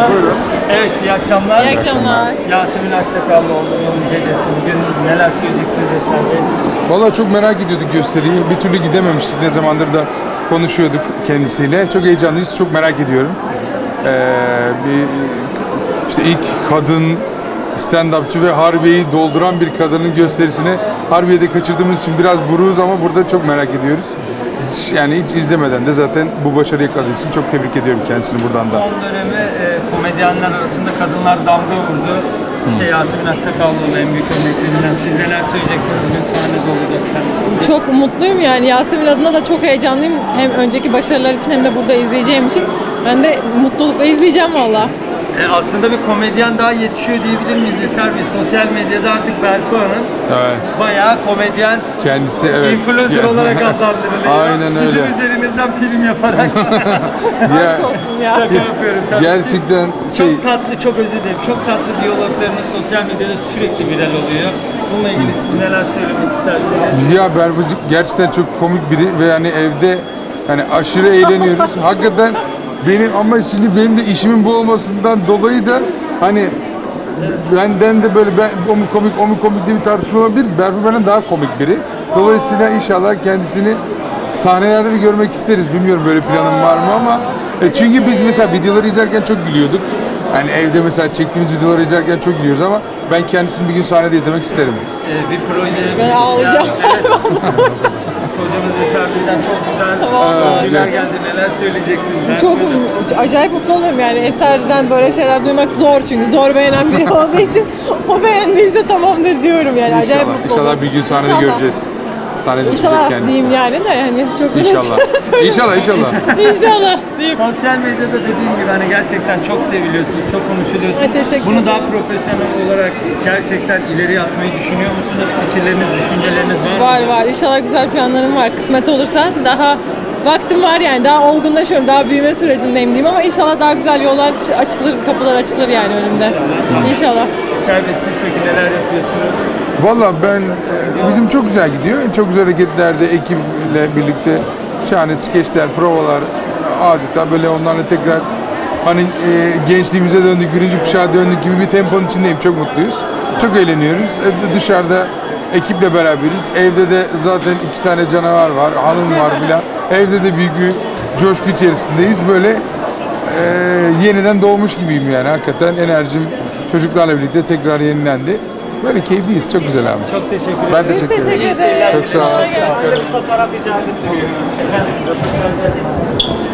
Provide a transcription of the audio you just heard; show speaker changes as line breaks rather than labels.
zaman.
Buyurun.
Evet, iyi akşamlar.
İyi akşamlar.
Yasemin Aksakallıoğlu'nun gecesi bugün. Neler söyleyeceksiniz Eser Bey?
Vallahi çok merak ediyorduk gösteriyi. Bir türlü gidememiştik. Ne zamandır da konuşuyorduk kendisiyle. Çok heyecanlıyız. Çok merak ediyorum. İşte ilk kadın stand-upçı ve Harbiye'yi dolduran bir kadının gösterisini Harbiye'de kaçırdığımız için biraz buruğuz ama burada çok merak ediyoruz. Yani hiç izlemeden de zaten bu başarıyı yakaladığı için çok tebrik ediyorum kendisini buradan da.
Son dönemi komedyenler arasında kadınlar damga vurdu. İşte Yasemin Aksakallıoğlu en büyük örneklerinden. Siz neler söyleyeceksiniz? Bugün sahnede olacak kendisi.
Çok mutluyum yani Yasemin adına da çok heyecanlıyım. Hem önceki başarılar için hem de burada izleyeceğim için. Ben de mutlulukla izleyeceğim valla.
Aslında bir komedyen daha yetişiyor diyebilir miyiz Eser Bey? Sosyal medyada artık Berfu Hanım bayağı komedyen,
Kendisi evet.
influencer olarak adlandırılıyor.
Aynen
Sizin
öyle.
üzerinizden film yaparak.
Aşk olsun ya.
Şaka yapıyorum tabii.
Gerçekten
Çok tatlı, çok özür dilerim. Çok tatlı diyaloglarınız sosyal medyada sürekli viral oluyor. Bununla ilgili siz neler söylemek istersiniz?
Ya Berfu gerçekten çok komik biri ve yani evde yani aşırı eğleniyoruz. Hakikaten ama şimdi benim de işimin bu olmasından dolayı da hani benden de böyle o mu komik diye bir tartışma olabilir. Berfu benden daha komik biri. Dolayısıyla inşallah kendisini sahnelerde de görmek isteriz. Bilmiyorum böyle planım var mı ama çünkü biz mesela videoları izlerken çok gülüyorduk. Yani evde mesela çektiğimiz videoları izlerken çok gülüyoruz ama ben kendisini bir gün sahnede izlemek isterim.
Bir proje...
Ben ağlayacağım.
Hocamız Eser Bey'den çok güzel övgüler geldi. Neler söyleyeceksiniz?
Çok acayip mutlu olurum yani Eser'den böyle şeyler duymak zor çünkü zor beğenen biri olduğu için o beğendiyse tamamdır diyorum yani. Acayip mutlu
İnşallah
olurum.
bir gün sahnede
İnşallah.
göreceğiz. Sahnede çıkacak
İnşallah
kendisi.
diyeyim yani de yani çok
İnşallah. İnşallah.
İnşallah diyeyim.
Sosyal medyada dediğim gibi hani gerçekten çok seviliyorsunuz, çok konuşuluyorsunuz.
Teşekkür
Bunu
ederim.
daha profesyonel olarak gerçekten ileriye atmayı düşünüyor musunuz? Fikirleriniz, düşünceleriniz var mı?
Var inşallah güzel planlarım var. Kısmet olursa daha vaktim var yani daha olgunlaşıyorum, daha büyüme sürecindeyim diyeyim ama inşallah daha güzel yollar açılır, kapılar açılır yani önümde. İnşallah.
Eser Bey siz peki neler yapıyorsunuz?
Valla bizim çok güzel gidiyor. Çok güzel hareketlerde ekiple birlikte şahane skeçler, provalar adeta böyle onlarla tekrar hani gençliğimize döndük, birinci kuşağa döndük gibi bir temponun içindeyim. Çok mutluyuz. Çok eğleniyoruz. Dışarıda ekiple beraberiz. Evde de zaten 2 tane canavar var, hanım var filan. Evde de büyük bir coşku içerisindeyiz. Böyle yeniden doğmuş gibiyim yani. Hakikaten enerjim çocuklarla birlikte tekrar yenilendi. Böyle keyifliyiz. Çok güzel abi.
Çok teşekkür ederim.
Ben teşekkür ederim.
Teşekkür ederim.
Çok sağ ol.
Bir fotoğraf rica edebilirim.